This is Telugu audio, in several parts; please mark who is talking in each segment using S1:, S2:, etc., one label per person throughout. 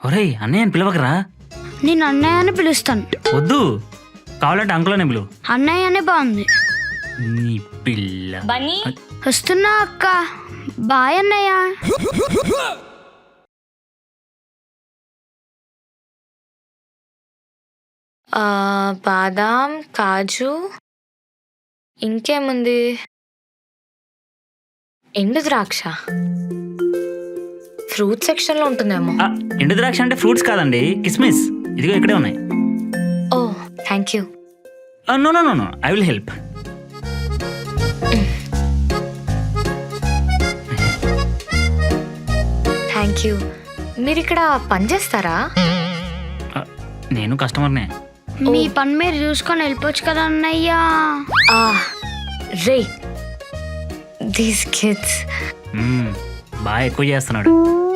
S1: ఒరేయ్ అన్నయ్య అని పిలవకరా.
S2: నేను అన్నయ్య అని పిలుస్తాను.
S1: వద్దు, కావాలంటే అంకుల్ అని పిలువు.
S2: అన్నయ్య అనే బాగుంది.
S1: నీ పిల్ల.
S3: బన్నీ
S2: వస్తున్నా అక్క. బాయ్ అన్నయ్య.
S3: బాదాం, కాజు, ఇంకేముంది? ఎండు ద్రాక్ష ఫ్రూట్ సెక్షన్లో ఉంటుందేమో.
S1: ఎండు ద్రాక్ష అంటే ఫ్రూట్స్ కాదండి, కిస్మిస్. ఇదిగో ఇక్కడే ఉన్నాయి.
S3: ఓ thank you.
S1: No no no no, I will help.
S3: Thank you. మీరు ఇక్కడ పని చేస్తారా?
S1: నేను కస్టమర్నే.
S2: మీ పని మీరు చూసుకొని వెళ్ళిపోవచ్చు కదా అన్నయ్య.
S3: రే దీస్ కిడ్స్
S1: బాగా ఎక్కువ చేస్తున్నాడు.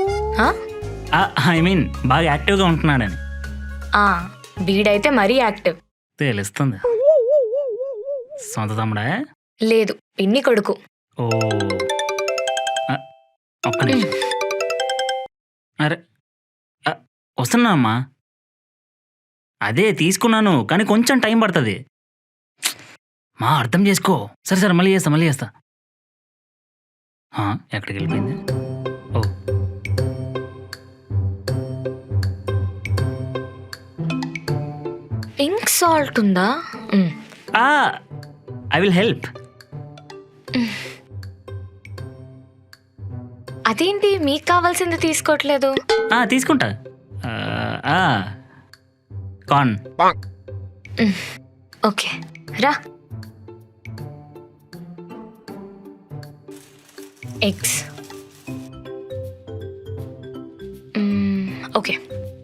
S1: ఐ మీన్ బాగా యాక్టివ్గా ఉంటున్నాడని.
S3: వీడైతే మరీ యాక్టివ్.
S1: తెలుస్తుంది. సొంత తమ్ముడా?
S3: లేదు, పిన్ని కొడుకు.
S1: ఓ ఒక్క నిమిషం. అరే వస్తున్నా అమ్మా. అదే తీసుకున్నాను, కానీ కొంచెం టైం పడుతుంది. మా అర్థం చేసుకో. సరే సరే, మళ్ళీ చేస్తా. ఎక్కడికి వెళ్ళిపోయింది? ఓ
S3: పింక్ సాల్ట్ ఉందా?
S1: I will help.
S3: అదేంటి మీకు కావాల్సింది తీసుకోవట్లేదు?
S1: తీసుకుంటా. కార్న్.
S3: ఓకే రా. ఎగ్స్. ఓకే.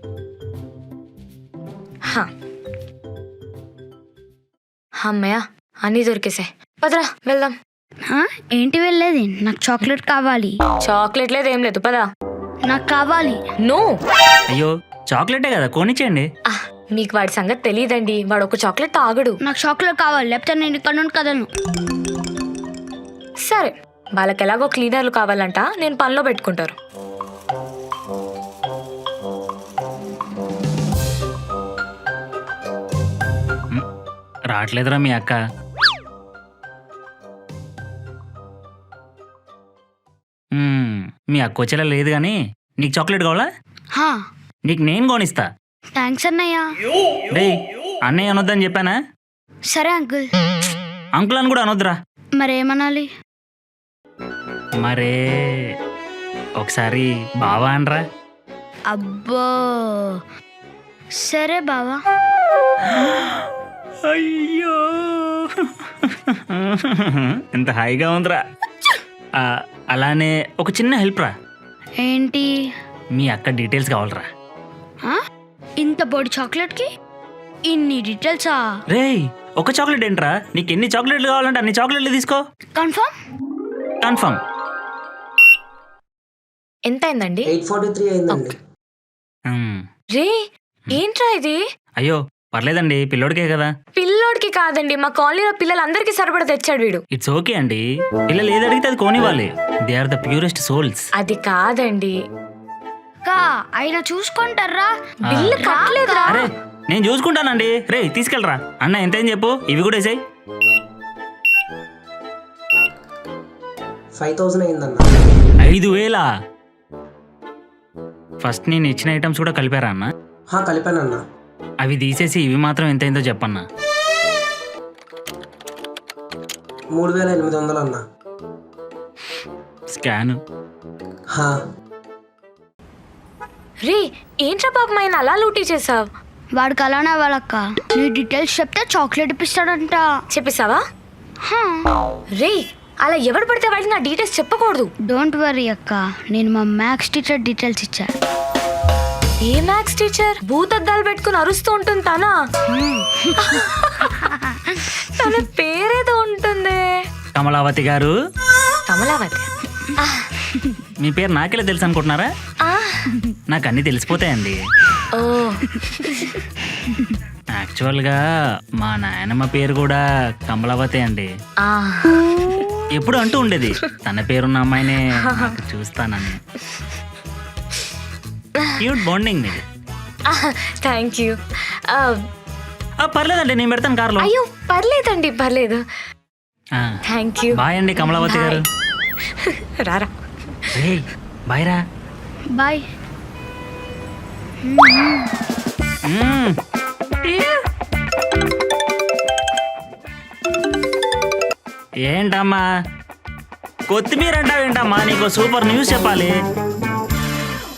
S3: అమ్మయ్య అన్నీ దొరికేసాయి. పదరా వెళ్దాం.
S2: ఏంటి వెళ్ళేది? నాకు చాక్లెట్ కావాలి.
S3: చాక్లెట్ లేదు, ఏం లేదు, పదా.
S2: నాకు కావాలి.
S3: నో.
S1: అయ్యో చాక్లెటే కదా, కొనిచ్చేయండి.
S3: మీకు వాడి సంగతి తెలియదండి, వాడు ఒక చాక్లెట్ తాగడు.
S2: నాకు చాక్లెట్ కావాలి, లేకపోతే నేను ఇక్కడ నుండి కదను.
S3: సరే, వాళ్ళకి ఎలాగో క్లీనర్లు కావాలంట, నేను పనిలో పెట్టుకుంటారు.
S1: రావట్లేదురా మీ అక్క. మీ అక్క వచ్చేలా లేదు కానీ నీకు చాక్లెట్ కావాలా? నీకు నేను కొనిస్తా.
S2: థ్యాంక్స్ అన్నయ్య.
S1: రే అన్నయ్య అనొద్దని చెప్పానా?
S2: సరే అంకుల్.
S1: అంకుల్ అని కూడా అనొద్దురా.
S2: మరేమనాలి?
S1: మరే ఒకసారి బావా అనరా.
S2: అబ్బో సరే బావా.
S1: అయ్యో ఎంత హాయిగా ఉందిరా. అలానే ఒక చిన్న హెల్ప్ రా.
S2: ఏంటి?
S1: మీ అక్క డీటెయిల్స్ కావాలరా.
S2: ఇంత పొడి చాక్లెట్ కి ఇన్ని డీటెయిల్సా?
S1: రేయ్ ఒక చాక్లెట్ ఏంట్రా, నీకు ఎన్ని చాక్లెట్లు కావాలంటే అన్ని చాక్లెట్లు తీసుకో. కన్ఫర్మ్.
S3: ఎంత అయిందండి?
S4: 843 అయిందండి.
S3: రే ఏంట్రా ఇది?
S1: అయ్యో పర్లేదండి, పిల్లోడికే కదా.
S3: పిల్లోడికి కాదండి, మా కాలనీలో పిల్లలందరికీ సరిపడా తెచ్చాడు వీడు.
S1: ఇట్స్ ఓకే అండి, పిల్లలు ఏది అడిగితే అది కోనివ్వాలి. They are the purest souls.
S3: అది కాదండి.
S2: ఆయన చూసుకుంటారా?
S3: బిల్లు కట్టలేదురా.
S1: అరే నేను చూసుకుంటానండి. రే తీసుకెళ్ళరా. అన్న ఎంత చెప్పు, ఇవి కూడా వేసాయి.
S4: 5000 అయిందన్న.
S1: 5000? ఫస్ట్ నేను ఇచ్చిన ఐటమ్స్ కూడా కలిపారా అన్న?
S4: కలిపానన్నా.
S1: అవి తీసేసి ఇవి మాత్రం ఎంత అయిందో చెప్పన్నా.
S4: 3800 అన్నా.
S1: స్కాన్.
S3: రే ఏంట్రా పాపం ఆయన అలా లూటీ చేసావు?
S2: వాడికి అలానే వాళ్ళక్క. నీ డీటెయిల్స్ చెప్తే చాక్లెట్ ఇప్పిస్తాడంట.
S3: చెప్పేసావా? రే అలా ఎవడు పడితే వాడికి నా డీటెయిల్స్ చెప్పకూడదు.
S2: డోంట్ వరీ అక్క, నేను మా మ్యాథ్స్ టీచర్ డీటెయిల్స్ ఇచ్చా.
S3: ఏ మ్యాథ్స్ టీచర్? భూతద్దాలు పెట్టుకుని అరుస్తూ ఉంటుంది తనా? తన పేరేదో ఉంటుంది.
S1: కమలావతి గారు.
S3: కమలావతి?
S1: మీ పేరు నాకెలా తెలుసు అనుకుంటున్నారా? నాకు అన్ని తెలిసిపోతాయండి.
S3: ఓ
S1: యాక్చువల్గా మా నాయనమ్మ పేరు కూడా కమలావతి అండి. ఎప్పుడు అంటూ ఉండేది తన పేరున్న అమ్మాయినే చూస్తానని. క్యూట్ బాండింగ్ మీది.
S3: Thank you.
S1: పర్లేదండి, నేను పెడతాను కార్లో.
S3: అయ్యో పర్లేదండి, పర్లేదు. Thank you.
S1: బాయ్ అండి కమలావతి గారు.
S3: రారా.
S1: రేయ్, బాయ్ రా.
S2: బాయ్.
S1: ఏంటమ్మా కొత్తిమీర అంటావేంటమ్మా? నీకు సూపర్ న్యూస్ చెప్పాలి.